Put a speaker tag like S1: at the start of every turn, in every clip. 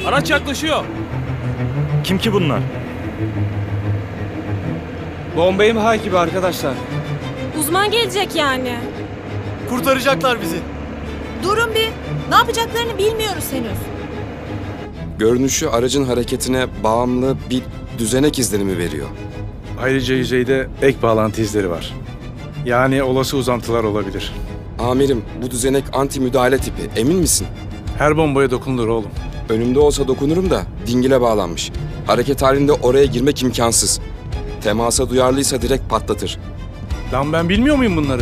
S1: Araç yaklaşıyor.
S2: Kim ki bunlar?
S3: Bomba imha gibi arkadaşlar.
S4: Uzman gelecek yani.
S5: Kurtaracaklar bizi.
S6: Durun bir. Ne yapacaklarını bilmiyoruz henüz.
S7: Görünüşü aracın hareketine bağımlı bir düzenek izlenimi veriyor.
S8: Ayrıca yüzeyde ek bağlantı izleri var. Yani olası uzantılar olabilir.
S7: Amirim, bu düzenek anti müdahale tipi. Emin misin?
S8: Her bombaya dokunulur oğlum.
S7: Önümde olsa dokunurum da dingile bağlanmış. Hareket halinde oraya girmek imkansız. Temasa duyarlıysa direkt patlatır.
S8: Lan ben bilmiyor muyum bunları?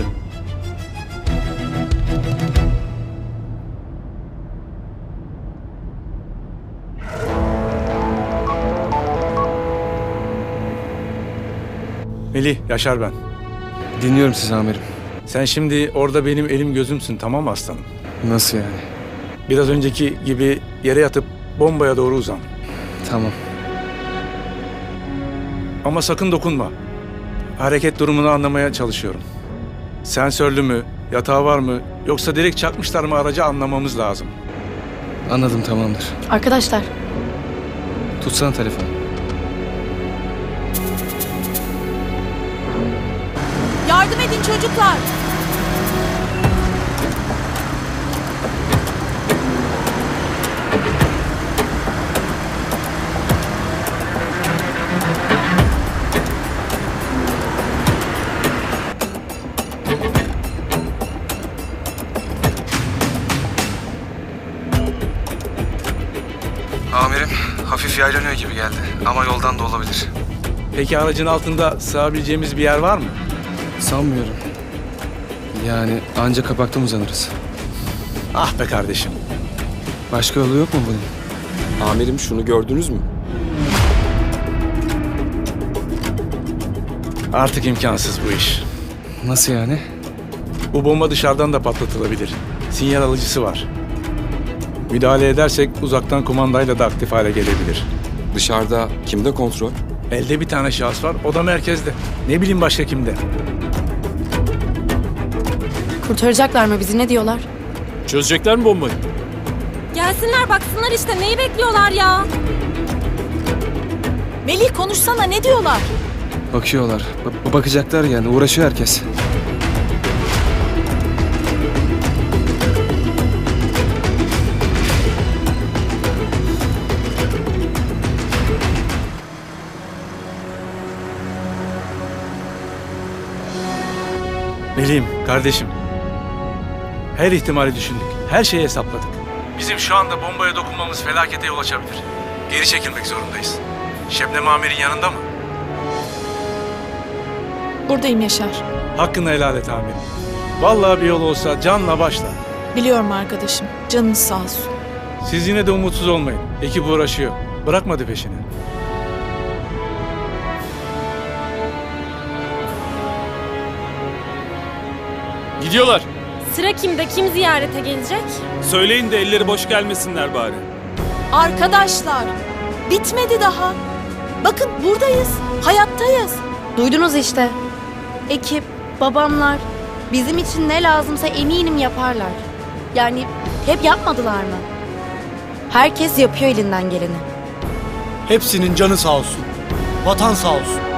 S8: Melih, Yaşar ben.
S3: Dinliyorum sizi amirim.
S8: Sen şimdi orada benim elim gözümsün, tamam mı aslanım?
S3: Nasıl yani?
S8: Biraz önceki gibi yere yatıp bombaya doğru uzan.
S3: Tamam.
S8: Ama sakın dokunma. Hareket durumunu anlamaya çalışıyorum. Sensörlü mü, yatağı var mı, yoksa direkt çakmışlar mı aracı anlamamız lazım.
S3: Anladım, tamamdır.
S6: Arkadaşlar.
S3: Tutsana telefonu.
S6: Yardım edin çocuklar.
S3: Amirim, hafif yaylanıyor gibi geldi. Ama yoldan da olabilir.
S8: Peki aracın altında sığabileceğimiz bir yer var mı?
S3: Sanmıyorum. Yani ancak kapaktan uzanırız.
S8: Ah be kardeşim.
S3: Başka yolu yok mu bunun?
S7: Amirim, şunu gördünüz mü?
S8: Artık imkansız bu iş.
S3: Nasıl yani?
S8: Bu bomba dışarıdan da patlatılabilir. Sinyal alıcısı var. Müdahale edersek uzaktan kumandayla da aktif hale gelebilir.
S7: Dışarıda kimde kontrol?
S8: Elde bir tane şahıs var, o da merkezde. Ne bileyim başka kimde?
S6: Kurtaracaklar mı bizi, ne diyorlar?
S1: Çözecekler mi bombayı?
S4: Gelsinler baksınlar işte, neyi bekliyorlar ya?
S6: Melih konuşsana, ne diyorlar?
S3: Bakıyorlar. Bakacaklar yani. Uğraşıyor herkes.
S8: Melih'im, kardeşim. Her ihtimali düşündük. Her şeyi hesapladık. Bizim şu anda bombaya dokunmamız felakete yol açabilir. Geri çekilmek zorundayız. Şebnem Amir'in yanında mı?
S6: Buradayım Yaşar.
S8: Hakkını helal et amirim. Vallahi bir yol olsa canla başla.
S6: Biliyorum arkadaşım. Canınız sağ olsun.
S8: Siz yine de umutsuz olmayın. Ekip uğraşıyor. Bırakmadı peşini.
S1: Gidiyorlar.
S4: Sıra kimde, kim ziyarete gelecek?
S1: Söyleyin de elleri boş gelmesinler bari.
S6: Arkadaşlar, bitmedi daha. Bakın buradayız, hayattayız.
S9: Duydunuz işte. Ekip, babamlar, bizim için ne lazımsa eminim yaparlar. Yani hep yapmadılar mı? Herkes yapıyor elinden geleni.
S5: Hepsinin canı sağ olsun. Vatan sağ olsun.